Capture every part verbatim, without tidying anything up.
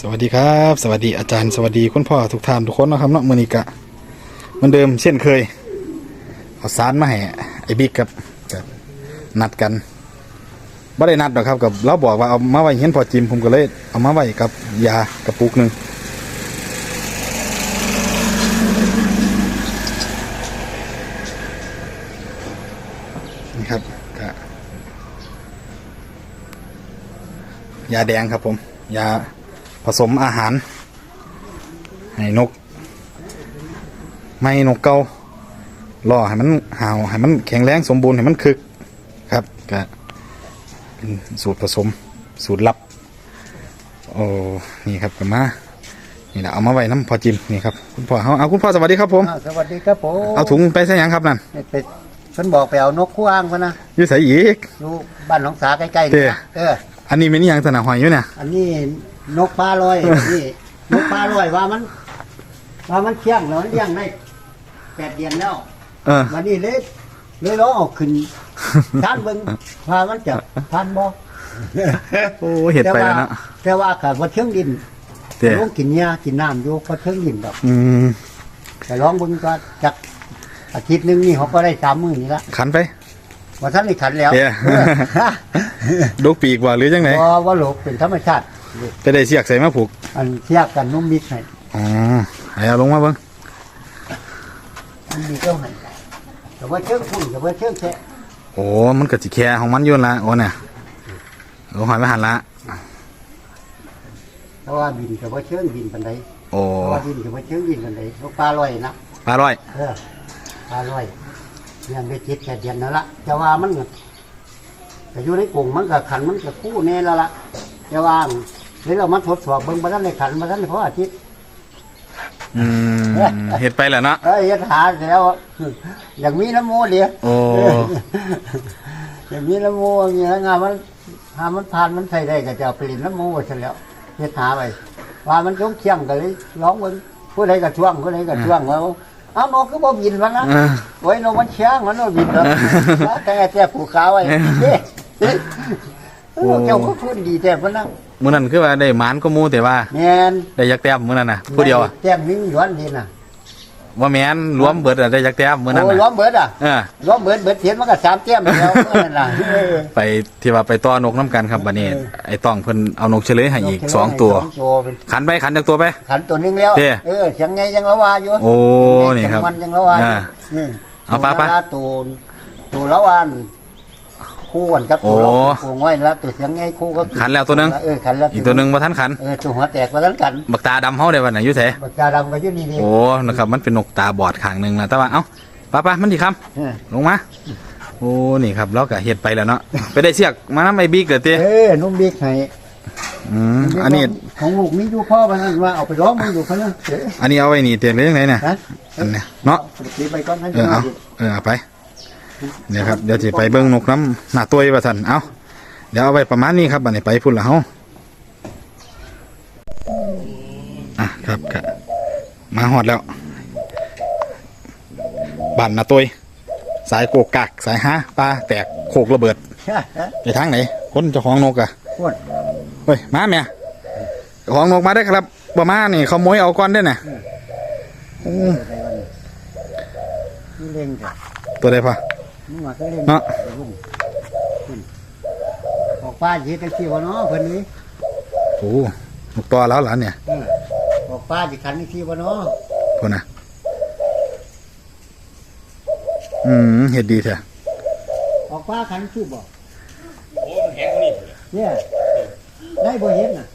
สวัสดีครับสวัสดีอาจารย์สวัสดีคุณพ่อทุกท่านทุกคนนะครับเนาะมือนิกะเหมือนเดิมเช่นเคยเอาสารมาให้ไอ้บิ๊กกับกับนัดกันไม่ได้นัดหรอกครับกับเราบอกว่าเอามาไว้เห็นพอจิมผมก็เลยเอามาไว้กับยากระปุกหนึ่งนี่ครับกะยาแดงครับผมยาผสมอาหารให้นกไม่นกเกาล่อให้มันห่าวให้มันแข็งแรงสมบูรณ์ให้มันคึกครับก็เป็นสูตรผสมสูตรลับโอ้นี่ครับกันมานี่แหละเอามาไว้น้ำพอจิมนี่ครับคุณพ่อเอาเอาคุณพ่อสวัสดีครับผมสวัสดีครับผมเอาถุงไปใส่ยังครับนั่นไปฉันบอกไปเอานกคู่อ้างมานะอยู่ใส่อีกอยู่บ้านหนองสาใกล้ๆนี่เอออันนี้เป็นยังสนาหอยอยู่เนี่ยอันนี้นกปลาลอยนี่นกปลาลอยว่ามันว่ามันเชี่ยงแล้วมันเลี้ยงได้แปดเดือนแล้วเออวันนี้เลยเลยร้องออกขึ้นท่านเบิ่งว่ามันจะท่านบ่โอ้เห็ดไปแล้วนะแต่ว่าขาดว่าเชิงดินลงกินหญ้ากินน้ำอยู่พอเชิงดินแบบอืมแต่ร้องเบิ่งก็จักอาทิตย์นึงนี่เขาก็ได้สามมื้อนี่ละขันไปว่าท่านนี่ขันแล้วดกปีกว่าหรือยังไงว่าว่าโลกเป็นธรรมชาติไปได้เสียกใส่มาผูกอันเสียกกันนุ่มมิดให้อ๋อให้เอาลงมาเบิ้งอันนี้เจ้าไหนแต่ว่าเชื่องพุ่งแต่ว่าเชื่องแค่โอ้มันก็จิแค่ของมันยุ่นละโอ้เนี่ยโอ้หอยไม่หันละเพราะว่าบินแต่ว่าเชื่องบินปันไดโอ้เพราะว่าบินแต่ว่าเชื่องบินปันไดนกปลาลอยนะปลาลอยเออปลาลอยยังได้จิตแค่เดียนนั่นละแต่ว่ามันแต่อยู่ในกลุ่มมันกับขันมันกับคู่แน่แล้วล่ะแต่ว่าเดี๋ยวเรามาทดสอบเบิ่งมาท่านในขันมาท่านเพราะอาทิตย์อืมเห็ดไปแหละเนาะเออเห็ดหาแล้วอย่างมีน้ำโมเดียวโอ้อย่างมีน้ำโมอย่างเงี้ยงานมันหามันผ่านมันใส่ได้ก็จะเปลี่ยนน้ำโมไปแล้วเห็ดหาไปว่ามันต้องเคี่ยงกันเลยร้องมันผู้ใดก็ช่วงผู้ใดก็ช่วงว่าเอานกก็บ่บินมันนะไว้นกมันเชียงมันนกบินแล้วแต่แต่ผูกขาไว้เจ้าก็พูดดีแต่มันนะมื้อนั้นคือว่าได้หมานก็มูแต่ว่าแม่นได้ยักแต้มมื้อนั้นน่ะผู้เดียวอ่ะแต้มนิ่งย้อนดีน่ะว่าแม่นรวมเบิดได้ยักแต้มมื้อนั้นน่ะรวมเบิดอ่ะเออรวมเบิดเบิดเถียนมันก็สามแต้มแล้วนั่นน่ะไปที่ว่าไปต้อนกน้ำกันครับบัดนี้ไอ้ต้องเพิ่นเอานกเฉลยให้อีกสองตัวขันไปขันจากตัวไปขันตัวนึงแล้วเออยังไงยังละว่าอยู่โอ้นี่ครับมันยังละว่าเอาป้าป้าตัวตัวละวันคู่กันกับตัวคู่ง่อยแล้วตัวเสียงไงคู่ก็ขันแล้วตัวนึงเออขันแล้วอีกตัวนึงมาทันขันเออตัวหัวแตกมาทันขันบักตาดำเฮาได้วันไหนยุ่เสบักตาดำก็ยุ่นี่นี่โอ้นะครับมันเป็นนกตาบอดข้างหนึ่งนะแต่ว่าเอ้าป้าป้ามันดีคำลงมาโอ้นี่ครับแล้วก็เห็ดไปแล้วเนาะไปได้เสียกมาน้ำไอบิ๊กเหรอเต้เออนุ่มบิ๊กให้อืมอันนี้ของลูกมีอยู่พ่อมันว่าเอาไปร้องมันอยู่เขาเนี่ยอันนี้เอาไว้นี่เตียนเลยยังไงเนี่ยอันเนี้ยเนาะเออเอาเออเอาไปเนี่ยครับเดี๋ยวจะไปเบิ้งนกน้ำหน้าตัวอีกว่าสันเอาเดี๋ยวเอาไว้ประมาณนี้ครับบัดนี้ไปพุ่นละเฮาอ่ะครับกะมาหอดแล้วบันหน้าตัวสายโกกกักสายฮะปลาแตกโขกระเบิดไปทางไหนคนเจ้าของนกอะเฮ้ยมาเมียเจ้าของนกมาได้ครับบ่มานี่เขาโมยเอาก้อนได้น่ะตัวใดพอเนาะออกป้าจีกันที่วะเนาะเพิ่นนี้โอ้นกตัวแล้วหลานเนี่ยออกป้าจีขันที่วะเนาะคนน่ะอืมเห็ดดีแท้ออกป้าขันชื่อบอกโอ้มันแห้งกว่านี้เนี่ยได้บ่เห็นน่ะ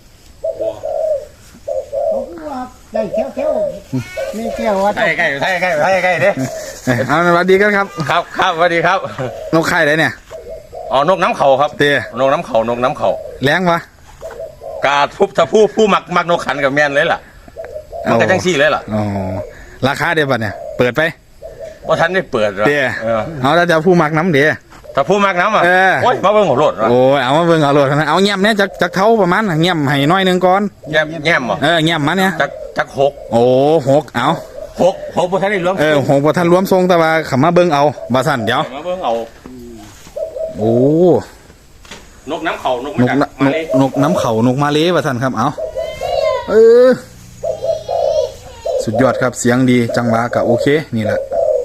เขาว่าได้แค่ๆนี่แค่ว่าใกล้ใกล้ใกล้ใกล้ใกล้ใกล้เด้เอาสวัสดีกันครับครับครับสวัสดีครับนกไข่ไหนเนี่ยอ๋อนกน้ำเขาครับเตี้ยนกน้ำเขานกน้ำเขาแรงวะกาทุบถ้าผู้ผู้มักมักนกขันกับแมนเลยล่ะมันก็จังซี่เลยล่ะอ๋อราคาเดียวบัดเนี่ยเปิดไปเพราะท่านได้เปิดเตี้ยเอาแล้วจะผู้มักน้ำเดียถ้าผู้มักน้ำอ่ะโอ้ยมาเบิ่งหัวโลดโอ้ยเอามาเบิ่งหัวโลดนะเอาเงียบเนี่ยจากจากเท้าประมาณเงียบให้น้อยนึงก่อนเงียบเงียบเออเงียบมาเนี่ยจากจากหกโอ้หกเอาหกหกพอท่านได้รวมเออหกพอท่านรวมทรงแต่ว่าขมาเบิ่งเอาบาสันเดี๋ยวมาเบิ่งเอาโอ้นกน้ำเขานกนกนกนกน้ำเขานกมาเลบาสันครับเอาเออสุดยอดครับเสียงดีจังหวะก็โอเคนี่แหละ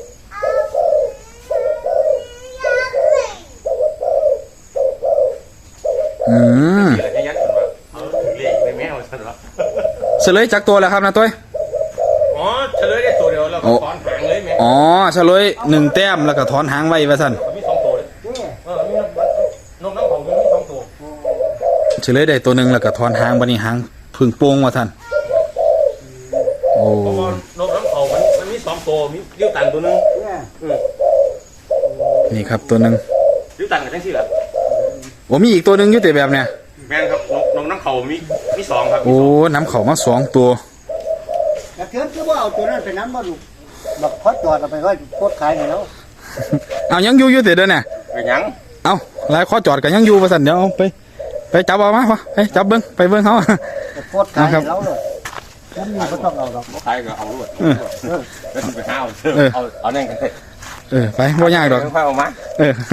อืมอะไรเงี้ยยัดกันมาเอาเลี้ยงไม่แม่เอาซะหรอเฉลยจากตัวแล้วครับนะตุ้ยอ๋อเฉลยได้ตัวเดียวแล้วก็ถอนหางเลยแม่อ๋อเฉลยหนึ่งแต้มแล้วก็ถอนหางไว้ว่าซั่นมีสองตัวเลยเออมีนกน้ำของมีสองตัวเฉลยได้ตัวหนึ่งแล้วก็ถอนหางบัดนี้หางพึ่งโป่งว่าซั่นโอ้เพราะว่านกน้ำเขามันมันมีสองตัวมีริ้วตันตัวนึงเนี่ยนี่ครับตัวหนึ่งริ้วตันกับทั้งสี่แหละโอ้มีอีกตัวหนึ่งอยู่แต่แบบเนี้ยแม่นครับนกนกน้ำเขามีมีสองครับโอ้น้ำเขามาสองตัวแต่เกิดคือว่าเอาตัวนั้นไปนั้นมาดูแบบพอจอดเอาไปไว้โคตรขายให้แล้วเอายังอยู่อยู่แต่เด้อเนี่ยเป็นหยังเอาหลายข้อจอดกันยังอยู่ว่าซั่นเดี๋ยวเอาไปไปจับเอามาพอไปจับเบิ่งไปเบิ่งเขาโคตรขายให้แล้วเลยผมมีก็ต้องเอาหรอกบ่ขายก็เอาด้วยเออแล้วไปหาเอาเอาเอาแน่นกันเลยเออไปบ่ยากดอกค่อยเอามาเออ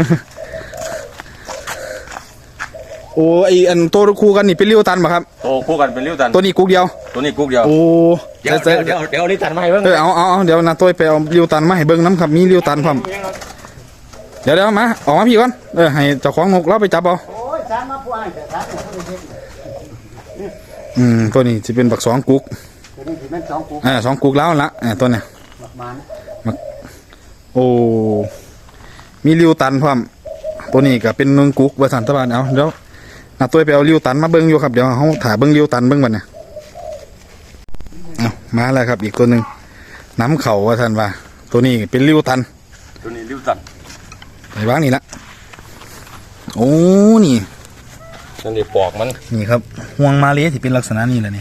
โอ้ไออันตัวคู่กันนี่เป็นเลี้ยวตันป่ะครับโตคู่กันเป็นริ้วตันตัวนี้กุ๊กเดียวตัวนี้กุ๊กเดียวโอ้เดี๋ยวใส่เดี๋ยวเดี๋ยวเอาลิ้วตันมาให้เบิ่งเออเอาเอาเอาเดี๋ยวนะตัวไปเอาเลี้ยวตันมาให้เบิ่งน้ำครับมีเลี้ยวตันพร้อมเดี๋ยวเดี๋ยวมาออกมาพี่ก่อนเออให้เจ้าของนกเราไปจับเอาโอ้ยสามมาผู้อ้ายแต่สามเป็นผู้เด็กอืมตัวนี้จะเป็นบักสองกุ๊กตัวนี้ถือเป็นสองกูเออสองกุ๊กแล้วละเออตัวเนี้ยหมักมันโอ้มีเลี้ยวตันพร้อมตัวนี้ก็เป็นหนึ่งกุ๊กว่าสันตะบานเอาเดี๋ยวนะตัวไปเอาเลี้ยวตันมาเบิ่งอยู่ครับเดี๋ยวเขาถ่ายเบิ่งเลี้ยวตันเบิ่งบัดเนี่ยเอามาแล้วครับอีกตัวหนึ่งน้ำเข่าว่าท่านว่า ตัวนี้เป็นเลี้ยวตันตัวนี้ริ้วตันไปบ้างนี่ละโอ้นี่นั่นดิปอกมันนี่ครับห่วงมาเลที่เป็นลักษณะนี้แหละนี่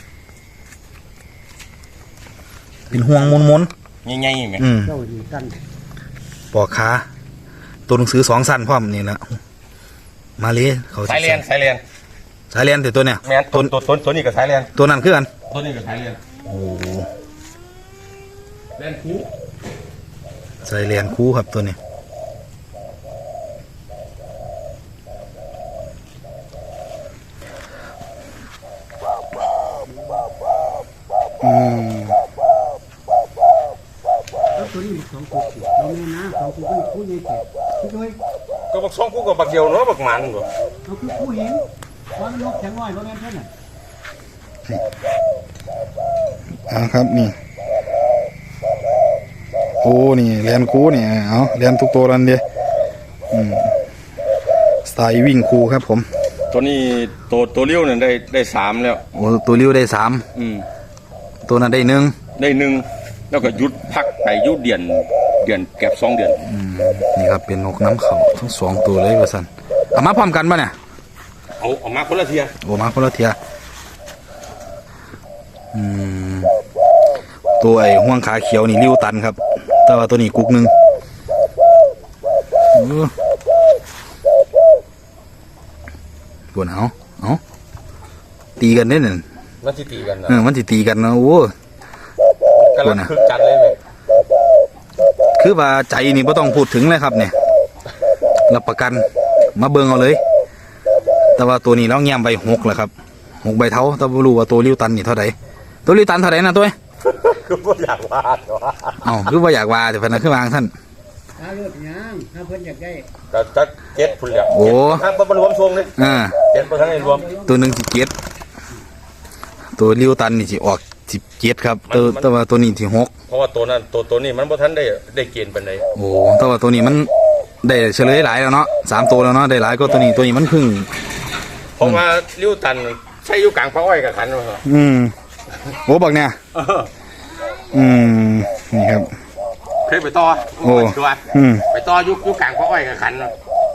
เป็นห่วงมนมนใหญ่ๆแม่ๆอืมเจ้าดีกันปอกขาตัวหนังสือสองสั้นพร้อมนี่แหละมาเลเขาสิสายเลียนสายเลียนสายเลียนแต่ตัวเนี่ยแม่นตัวตัวตัวตัวนี้กับสายเลียนตัวนั้นคือกันตัวนี้กับสายเลียนโอ้เลียนคู่สายเลียนคู่ครับตัวนี้อืมแล้วตัวนี้สองกูเราแม่นะสองกูเป็นผู้ใหญ่แก่พี่ด้วยก็บักสองคู่กับบักเดียวเนาะบักหมันบ่เราคือผู้หญิงความนกแข็งน้อยเพราะงั้นเท่านั้นอ่าครับนี่โอ้นี่เรียนครูนี่เอาเรียนทุกตัวนั่นเดียอืมสไตล์วิ่งครูครับผมตัวนี้ตัวตัวเลี้ยวเนี่ยได้ได้สามแล้วโอ้ตัวริ้วได้สามอืมตัวนั้นได้หนึ่งได้หนึ่งแล้วก็หยุดพักไปหยุดเดือนเดือนแก็บสองเดือนอืมนี่ครับเป็นนกน้ำเขาทั้งสองตัวเลยว่าสันเอามาพร้อมกันปะเนี่ยเอาเอามาคนละเทียโอ้มาคนละเทียอืมตัวไอ้ห่วงขาเขียวนี่ริ้วตันครับ แต่ว่าตัวนี้กุกหนึ่งเออปวดเอาเอาตีกันได้เนี่ยมันสิตีกันนะเออมันสิตีกันนะโอ้กำลังคึกจัดเลยไหมคือว่าใจนี่ไม่ต้องพูดถึงเลยครับเนี่ยรับประกันมาเบิ่งเอาเลย แต่ว่าตัวนี้เราแง้มใบหกแหละครับหกใบเท้าแต่ไม่รู้ว่าตัวริ้วตันนี่เท่าไหร่ตัวริ้วตันเท่าไหร่นะตัวคือบ่อยากวาดว่าเอ้าคือว่าอยากว่าแต่พนักคือวางท่านถ้าเลือดยังถ้าเพิ่นอยากได้ก็จะเจ็ดพุ่นแล้วโอ้ทางบ่รวมช่วงนี่อ่าเจ็ดบ่ทันได้รวมตัวหนึ่งสิเจ็ดตัวริ้วตันนี่สิออกสิบเจ็ดครับตัวแต่ว่าตัวนี้สิหกเพราะว่าตัวนั้นตัวตัวนี้มันบ่ทันได้ได้เกณฑ์ปานใดโอ้แต่ว่าตัวนี้มันได้เฉลยหลายแล้วเนาะสามตัวแล้วเนาะได้หลายก็ตัวนี้ตัวนี้มันเพึ่งเพราะว่าริ้วตันใช้อยู่กลางพระอ้อยกับขันว่าอืมโอ้บักเนี่ยเอออืมนี่ครับเคยไปต่อโอ้ตัวอืมไปต่อยุคยุคกลางพระอ้อยกับขัน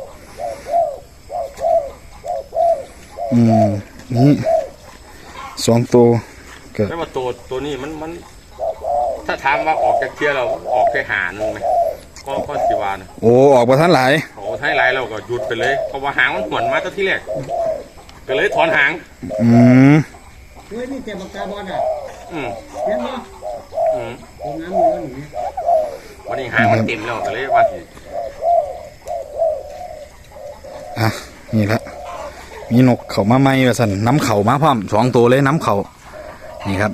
อืมนี่สองตัวก็ไม่ว่าตัวตัวนี้มันมัน ถ้าถามว่าออกจากเทียเราออกแค่หาหนึงไหมก็ก็สิวานะโอ้ออกมาทันหลายโอ้ท้ายไรเราก็หยุดไปเลยเพราะว่าหางมันหวนมาตั้งที่แรกก็เลยถอนหางอืมเฮ้ยนี่แต่ปากกาบอลอ่ะอืมเห็นบ่อืมตรงน้ำมือแล้วหนูวันนี้หางมันเต็มแล้วก็เลยว่าสิอ่ะนี่ละมีนกเขามาไหมว่าสันน้ำเขามาพร้อมสองตัวเลยน้ำเขานี่ครับ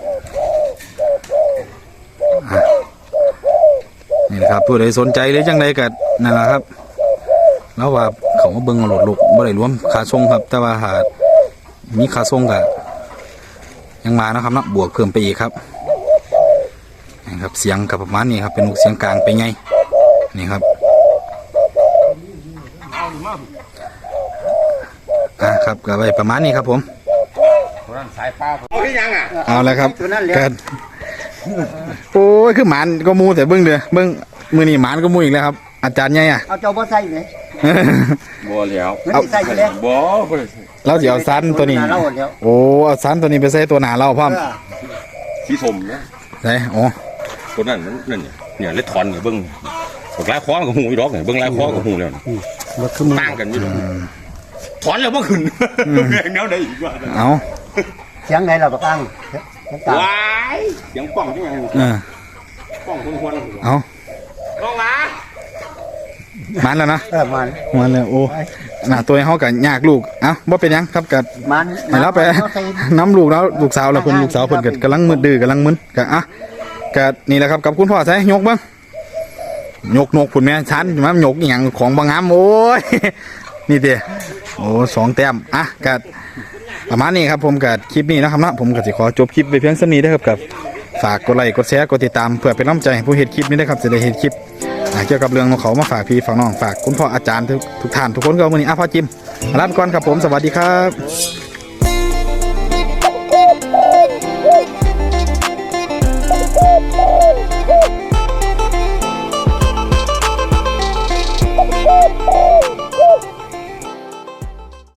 อ่ะนี่นะครับผู้ใดสนใจหรือจังใดก็นั่นแหละครับแล้วว่าเขามาเบิ่งเอาโหลดลูกบ่ได้รวมค่าส่งครับ แต่ว่าหามีค่าส่งก็ยังมานะครับเนาะบวกเพิ่มไปอีกครับนี่ครับเสียงกับประมาณนี้ครับเป็นลูกเสียงกลางไปไงนี่ครับอ่าครับก็ไว้ประมาณนี้ครับผมสายฟ้าเอาที่ยังอ่ะเอาแล้วครับตัวนั้นแหละกันโอ้ยคือหมานก็มูแต่เบิ้งเด้อเบิ้งมือนี่หมานก็มูอีกแล้วครับ อาจารย์ใหญ่อะเอาเจ้าบ่ใส่ไหมบัวแล้วไม่ได้ใส่อยู่แล้วบัวเราจะเอาซันตัวนี้เล่าแล้วโอ้เอาซันตัวนี้ไปใส่ตัวหนาเราพร้อมสีสมนะใส่โอ้ตัวนั้นมันนั่นเนี่ยเนี่ยเล็ดถอนเนี่ยเบิ้งบอกลายคอกับหูอีดอกเนี่ยเบิ้งลายคอกับหูแล้วต่างกันอยู่ถอนแล้วบ่ขึ้นแรงแนวใดอีกว่าเอาเสียงไหนเราก็ตั้งเสียงกลางว้ายเสียงป้องจังไงเออป้องคนควรเอาลองมาหมันแล้วนะเออมันหมันแล้วโอ้หน้าตัวเขากับยากลูกเอ้าบ่เป็นหยังครับกับมันให้เราไปน้ำลูกแล้วลูกสาวแล้วคนลูกสาวเพิ่นก็กำลังมืดดื้อกำลังมึนก็อ่ะก็นี่แหละครับกับคุณพ่อใส่ยกเบิ่งยกนกผุนแม่ชั้นมันยกอหย่างของบางงามโอ้ย นี่เด้โอ้สองแต้มอ่ะก็ประมาณนี้ครับผมกับคลิปนี้นะครับเนาะผมก็สิขอจบคลิปไปเพียงเท่านี้นะครับกับฝากกดไลค์กดแชร์กดติดตามเพื่อเป็นกำลังใจให้ผู้เห็นคลิปนี้นะครับจะได้เห็นคลิปอ่าเกี่ยวกับเรื่องของเขามาฝากพี่ฝากน้องฝากคุณพ่ออาจารย์ทุกทุกท่านทุกคนก็วันนี้อ่ะพ่อจิมลาไปก่อนครับผมสวัสดีครับ